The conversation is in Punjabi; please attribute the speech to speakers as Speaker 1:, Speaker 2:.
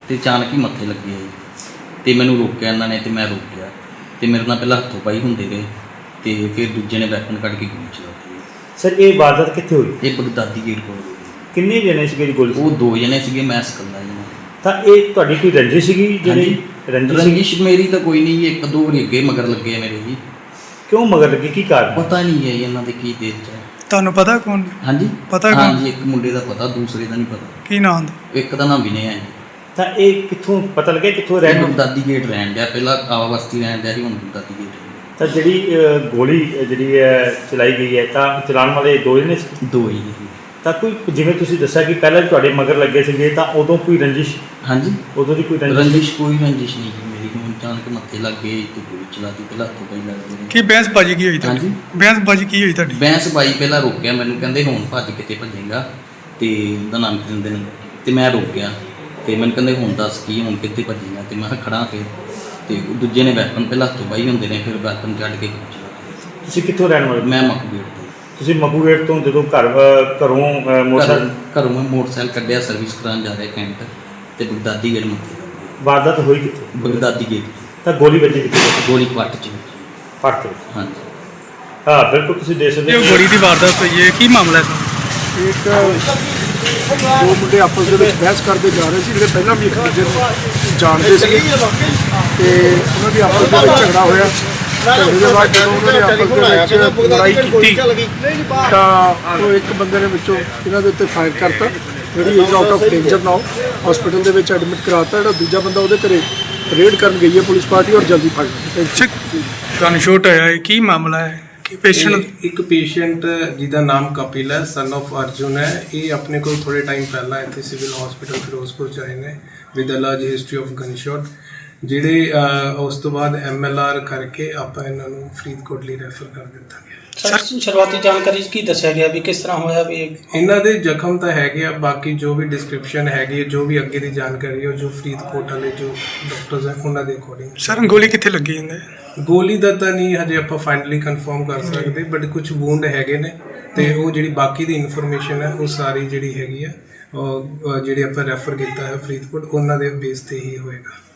Speaker 1: ਤੇ ਅਚਾਨਕ ਹੀ ਮੱਥੇ ਲੱਗੇ ਜੀ ਤੇ ਮੈਨੂੰ ਰੋਕਿਆ ਇਹਨਾਂ ਨੇ ਤੇ ਮੈਂ ਰੁਕ ਗਿਆ ਤੇ ਮੇਰੇ ਨਾਲ ਪਹਿਲਾਂ ਹੱਥੋਂ ਪਾਈ ਹੁੰਦੇ ਰਹੇ ਤੇ ਫਿਰ ਦੂਜੇ ਨੇ ਵੈਪਨ ਕੱਢ ਕੇ ਗੋਲੀ ਚਲਾਤੀ।
Speaker 2: ਸਰ ਇਹ ਵਾਰਦਾਤ ਕਿੱਥੇ ਹੋਈ?
Speaker 1: ਇਹ ਬਗਦਾਦੀ ਗੇਟ ਕੋਲ ਹੋਈ।
Speaker 2: ਕਿੰਨੇ ਜਣੇ ਸੀਗੇ ਜੀ ਗੋਲੀ?
Speaker 1: ਉਹ 2 ਜਣੇ ਸੀਗੇ, ਮੈਂ ਇਕੱਲਾ ਜੀ।
Speaker 2: ਤਾਂ ਇਹ ਤੁਹਾਡੀ ਕੋਈ ਰੰਜਿਸ਼ ਸੀਗੀ ਜਿਹੜੀ?
Speaker 1: ਰੰਜਿਸ਼ ਮੇਰੀ ਤਾਂ ਕੋਈ ਨਹੀਂ, ਇੱਕ ਦੋ ਵਾਰੀ ਅੱਗੇ ਮਗਰ ਲੱਗੇ ਮੇਰੇ ਜੀ।
Speaker 2: ਕਿਉਂ ਮਗਰ ਲੱਗੇ, ਕੀ ਕਾਰਨ?
Speaker 1: ਪਤਾ ਨਹੀਂ ਹੈ ਇਹਨਾਂ ਦੇ ਕੀ ਦੇਰ ਚ।
Speaker 3: ਤੁਹਾਨੂੰ ਪਤਾ ਕੌਣ?
Speaker 1: ਹਾਂਜੀ
Speaker 3: ਪਤਾ ਕੌਣ?
Speaker 1: ਹਾਂਜੀ, ਇੱਕ ਮੁੰਡੇ ਦਾ ਪਤਾ, ਦੂਸਰੇ ਦਾ ਨਹੀਂ ਪਤਾ।
Speaker 3: ਕੀ ਨਾਮ ਦਾ?
Speaker 1: ਇੱਕ ਦਾ ਨਾਮ ਵਿਨੇ ਹੈ ਜੀ।
Speaker 2: ਤਾਂ ਇਹ ਕਿੱਥੋਂ ਪਤਾ ਲੱਗਿਆ ਕਿੱਥੋਂ ਰਹਿਣ?
Speaker 1: ਬਗਦਾਦੀ ਗੇਟ ਰਹਿਣ ਡਿਆ, ਪਹਿਲਾਂ ਆਵਾ ਬਸਤੀ ਰਹਿਣ ਡਿਆ ਸੀ, ਹੁਣ ਬਗਦਾਦੀ ਗੇਟ।
Speaker 2: ਤਾਂ ਜਿਹੜੀ ਗੋਲੀ ਜਿਹੜੀ ਹੈ ਚਲਾਈ ਗਈ ਹੈ ਤਾਂ ਚਲਾਉਣ ਵਾਲੇ 2 ਜਣੇ ਸੀ?
Speaker 1: 2 ਹੀ ਜੀ।
Speaker 2: ਤਾਂ ਕੋਈ ਜਿਵੇਂ ਤੁਸੀਂ ਦੱਸਿਆ ਕਿ ਪਹਿਲਾਂ ਤੁਹਾਡੇ ਮਗਰ ਲੱਗੇ ਸੀਗੇ ਤਾਂ ਉਦੋਂ ਕੋਈ ਰੰਜਿਸ਼?
Speaker 1: ਹਾਂਜੀ,
Speaker 2: ਉਦੋਂ ਦੀ ਕੋਈ
Speaker 1: ਕੋਈ ਰੰਜਿਸ਼ ਨਹੀਂ ਜੀ ਮੇਰੀ। ਹੁਣ ਅਚਾਨਕ ਮੱਥੇ ਲੱਗ ਗਏ ਤੇ ਗੋਲੀ ਚਲਾਤੀ, ਪਹਿਲਾਂ ਹੱਥੋਂ ਪਈ ਲੱਗਦੇ।
Speaker 3: ਕੀ ਬਹਿਸਬਾਜ਼ੀ ਕੀ ਹੋਈ ਤੁਹਾਡੀ?
Speaker 1: ਹਾਂਜੀ,
Speaker 3: ਬਹਿਸਬਾਜ਼ੀ ਕੀ ਹੋਈ ਤੁਹਾਡੀ?
Speaker 1: ਬਹਿਸਬਾਜ਼ੀ ਪਹਿਲਾਂ ਰੋਕਿਆ ਮੈਨੂੰ, ਕਹਿੰਦੇ ਹੁਣ ਭੱਜ ਕਿਤੇ ਭੱਜੇਗਾ ਤੇ ਉਹਦਾ ਨਾਮ ਕੀ ਦਿੰਦੇ ਨੇ, ਤੇ ਮੈਂ ਰੁਕ ਗਿਆ ਤੇ ਮੈਨੂੰ ਕਹਿੰਦੇ ਹੁਣ ਦੱਸ ਕੀ, ਹੁਣ ਕਿੱਥੇ ਭੱਜੇਗਾ? ਤੇ ਮੈਂ ਖੜਾ ਫਿਰ ਤੇ ਦੂਜੇ ਨੇ ਵੈਪਨ ਪਹਿਲਾਂ ਹੱਥੋਂ ਪਾਈ ਹੁੰਦੇ ਨੇ, ਫਿਰ ਵੈਪਨ ਕੱਢ ਕੇ ਗੋਲੀ ਚਲਾਤੀ।
Speaker 2: ਤੁਸੀਂ ਕਿੱਥੋਂ ਰਹਿਣ ਵਾਲੇ?
Speaker 1: ਮੈਂ ਮਕਬੂਲ ਤੋਂ।
Speaker 2: ਤੁਸੀਂ ਮਕੂਗੇਟ ਤੋਂ ਜਦੋਂ ਘਰੋਂ ਮੋਟਰਸਾਈਕਲ?
Speaker 1: ਘਰੋਂ ਮੈਂ ਮੋਟਰਸਾਈਕਲ ਕੱਢਿਆ, ਸਰਵਿਸ ਕਰਾਉਣ ਜਾ ਰਿਹਾ ਕੈਂਟ ਤੇ ਬਗਦਾਦੀ ਗੇਟ ਮੱਥੇ।
Speaker 2: ਵਾਰਦਾਤ ਹੋਈ ਕਿੱਥੇ?
Speaker 1: ਬਗਦਾਦੀ ਗੇਟ।
Speaker 2: ਤਾਂ ਗੋਲੀ ਵੱਜੀ ਕਿੱਥੇ?
Speaker 1: ਗੋਲੀ ਪੱਟ ਚ।
Speaker 2: ਪੱਟ ਤੇ?
Speaker 1: ਹਾਂਜੀ
Speaker 2: ਹਾਂ ਬਿਲਕੁਲ, ਤੁਸੀਂ ਦੇਖ ਸਕਦੇ
Speaker 3: ਇਹ ਗੋਲੀ ਦੀ ਵਾਰਦਾਤ ਹੋਈ ਹੈ, ਕੀ ਮਾਮਲਾ ਹੈ?
Speaker 4: ਇੱਕ 2 ਮੁੰਡੇ ਆਪਸ ਦੇ ਵਿੱਚ ਬਹਿਸ ਕਰਦੇ ਜਾ ਰਹੇ ਸੀ, ਜਿਹੜੇ ਪਹਿਲਾਂ ਵੀ ਇੱਕ ਦੂਜੇ ਨੂੰ ਜਾਣਦੇ ਸੀਗੇ ਤੇ ਉਹਨਾਂ ਦੀ ਆਪਸ ਦੇ ਵਿੱਚ ਝਗੜਾ ਹੋਇਆ। ਝਗੜੇ ਦੇ ਬਾਅਦ ਜਦੋਂ ਉਹਨਾਂ ਨੇ ਆਪਸ ਦੇ ਵਿੱਚ ਲੜਾਈ ਕੀਤੀ ਤਾਂ ਉਹ ਇੱਕ ਬੰਦੇ ਨੇ ਵਿੱਚੋਂ ਇਹਨਾਂ ਦੇ ਉੱਤੇ ਫਾਇਰ ਕਰਤਾ, ਜਿਹੜੀ is out of danger now, hospital ਦੇ ਵਿੱਚ ਐਡਮਿਟ ਕਰਾਤਾ। ਜਿਹੜਾ ਦੂਜਾ ਬੰਦਾ ਉਹਦੇ ਘਰੇ ਰੇਡ ਕਰਨ ਗਈ ਹੈ ਪੁਲਿਸ ਪਾਰਟੀ ਔਰ ਜਲਦੀ ਫੜ ਲਈ।
Speaker 3: ਗਨ ਸ਼ੂਟ ਹੋਇਆ ਹੈ, ਕੀ ਮਾਮਲਾ ਹੈ? ਕਿ ਪੇਸ਼ੈਂਟ?
Speaker 5: ਇੱਕ ਪੇਸ਼ੈਂਟ ਜਿਹਦਾ ਨਾਮ ਕਪਿਲ ਹੈ, ਸਨ ਆਫ ਅਰਜੁਨ ਹੈ। ਇਹ ਆਪਣੇ ਕੋਲ ਥੋੜੇ ਟਾਈਮ ਪਹਿਲਾਂ ਇੱਥੇ ਸਿਵਲ ਹਸਪੀਟਲ ਫਿਰੋਜ਼ਪੁਰ ਚ ਆਏ ਨੇ with a large history of gun shot, ਜਿਹੜੇ ਉਸ ਤੋਂ ਬਾਅਦ MLR ਕਰਕੇ ਆਪਾਂ ਇਹਨਾਂ ਨੂੰ ਫਰੀਦਕੋਟ ਲਈ ਰੈਫਰ ਕਰ ਦਿੱਤਾ ਗਿਆ।
Speaker 6: ਸਰ ਸ਼ੁਰੂਆਤੀ ਜਾਣਕਾਰੀ 'ਚ ਕੀ ਦੱਸਿਆ ਗਿਆ ਵੀ ਕਿਸ ਤਰ੍ਹਾਂ ਹੋਇਆ? ਵੀ
Speaker 5: ਇਹਨਾਂ ਦੇ ਜ਼ਖਮ ਤਾਂ ਹੈਗੇ ਆ, ਬਾਕੀ ਜੋ ਵੀ ਡਿਸਕ੍ਰਿਪਸ਼ਨ ਹੈਗੀ, ਜੋ ਵੀ ਅੱਗੇ ਦੀ ਜਾਣਕਾਰੀ ਹੈ, ਜੋ ਫਰੀਦਕੋਟ ਵਾਲੇ ਜੋ ਡਾਕਟਰਸ ਹੈ ਉਹਨਾਂ ਦੇ ਅਕੋਰਡਿੰਗ।
Speaker 3: ਸਰ ਗੋਲੀ ਕਿੱਥੇ ਲੱਗੀ ਜਾਂਦੇ?
Speaker 5: ਗੋਲੀ ਦਾ ਤਾਂ ਨਹੀਂ ਹਜੇ ਆਪਾਂ ਫਾਈਨਲੀ ਕਨਫਰਮ ਕਰ ਸਕਦੇ, ਬਟ ਕੁਝ ਵੂੰਡ ਹੈਗੇ ਨੇ ਤੇ ਉਹ ਜਿਹੜੀ ਬਾਕੀ ਦੀ ਇਨਫੋਰਮੇਸ਼ਨ ਹੈ ਉਹ ਸਾਰੀ ਜਿਹੜੀ ਹੈਗੀ ਆ ਉਹ ਜਿਹੜੀ ਆਪਾਂ ਰੈਫਰ ਕੀਤਾ ਹੈ ਫਰੀਦਕੋਟ, ਉਹਨਾਂ ਦੇ ਬੇਸ ਤੇ ਹੀ ਹੋਏਗਾ।